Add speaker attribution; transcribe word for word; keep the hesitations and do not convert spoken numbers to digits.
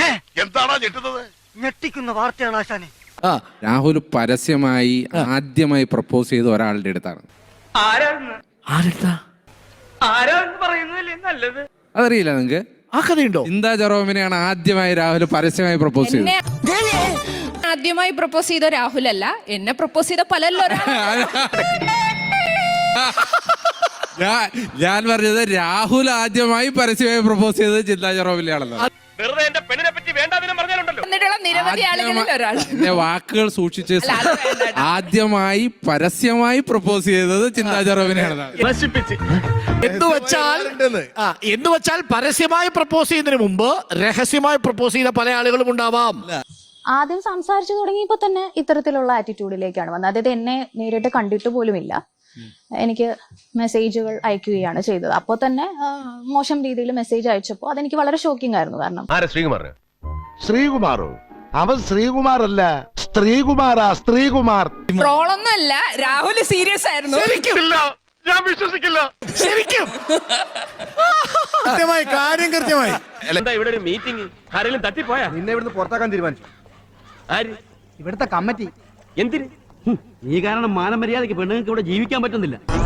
Speaker 1: എന്താണോ ഞെട്ടുന്നത്?
Speaker 2: ഞെട്ടിക്കുന്ന വാർത്തയാണ് ആശാനെ.
Speaker 3: രാഹുൽ പരസ്യമായി ആദ്യമായി പ്രപ്പോസ് ചെയ്ത ഒരാളുടെ അടുത്താണ്. അതറിയില്ല നിങ്ങക്ക്?
Speaker 4: ആ കഥയുണ്ടോ?
Speaker 3: ചിന്താ ജെറോമിനെയാണ് ആദ്യമായി രാഹുൽ പരസ്യമായി പ്രപ്പോസ് ചെയ്തത്.
Speaker 5: ആദ്യമായി പ്രപ്പോസ് ചെയ്ത രാഹുൽ അല്ല, എന്നെ പ്രപ്പോസ് ചെയ്ത പലല്ലോ.
Speaker 3: ഞാൻ പറഞ്ഞത് രാഹുൽ ആദ്യമായി പരസ്യമായി പ്രപ്പോസ് ചെയ്തത് ചിന്താ ജെറോമിനെയാണല്ലോ.
Speaker 5: നിരവധി ആളുകളിൽ ഒരാൾ.
Speaker 3: എന്റെ വാക്കുകൾ സൂക്ഷിച്ച് ആദ്യമായി പരസ്യമായി പ്രപ്പോസ് ചെയ്തത് ചിന്താ ജെറോമിനെയാണ്.
Speaker 4: എന്ന് വെച്ചാൽ എന്ന് വെച്ചാൽ പരസ്യമായി പ്രപ്പോസ് ചെയ്യുന്നതിന് മുമ്പ് രഹസ്യമായി പ്രപ്പോസ് ചെയ്ത പല ആളുകളും ഉണ്ടാവാം.
Speaker 6: ആദ്യം സംസാരിച്ചു തുടങ്ങിയപ്പോ തന്നെ ഇത്തരത്തിലുള്ള ആറ്റിറ്റ്യൂഡിലേക്കാണ് വന്നത്. അതായത് എന്നെ നേരിട്ട് കണ്ടിട്ട് പോലുമില്ല, എനിക്ക് മെസ്സേജുകൾ അയക്കുകയാണ് ചെയ്തത്. അപ്പോൾ തന്നെ മോശം രീതിയിൽ മെസ്സേജ് അയച്ചപ്പോൾ അതെനിക്ക് വളരെ ഷോക്കിംഗ് ആയിരുന്നു. കാരണം
Speaker 1: ശ്രീകുമാറോ? അവൻ ശ്രീകുമാർ അല്ല, സ്ത്രീകുമാറാ, സ്ത്രീകുമാർ.
Speaker 5: ട്രോളൊന്നും അല്ല, രാഹുൽ സീരിയസ് ആയിരുന്നു.
Speaker 1: ഞാൻ വിശ്വസിക്കില്ല.
Speaker 4: ശരിക്കും കൃത്യമായി കാര്യം കൃത്യമായി.
Speaker 7: എന്താ ഇവിടെ ഒരു മീറ്റിംഗ്? ആരെങ്കിലും തട്ടിപ്പോയാ?
Speaker 2: നിന്നെ ഇവിടുന്ന് പുറത്താക്കാൻ തീരുമാനിച്ചു.
Speaker 7: ആര്?
Speaker 2: ഇവിടുത്തെ കമ്മിറ്റി.
Speaker 7: എന്തിന്?
Speaker 2: ഈ കാരണം മാനമര്യാദയ്ക്ക് പെണ്ണുങ്ങൾക്ക് ഇവിടെ ജീവിക്കാൻ പറ്റുന്നില്ല.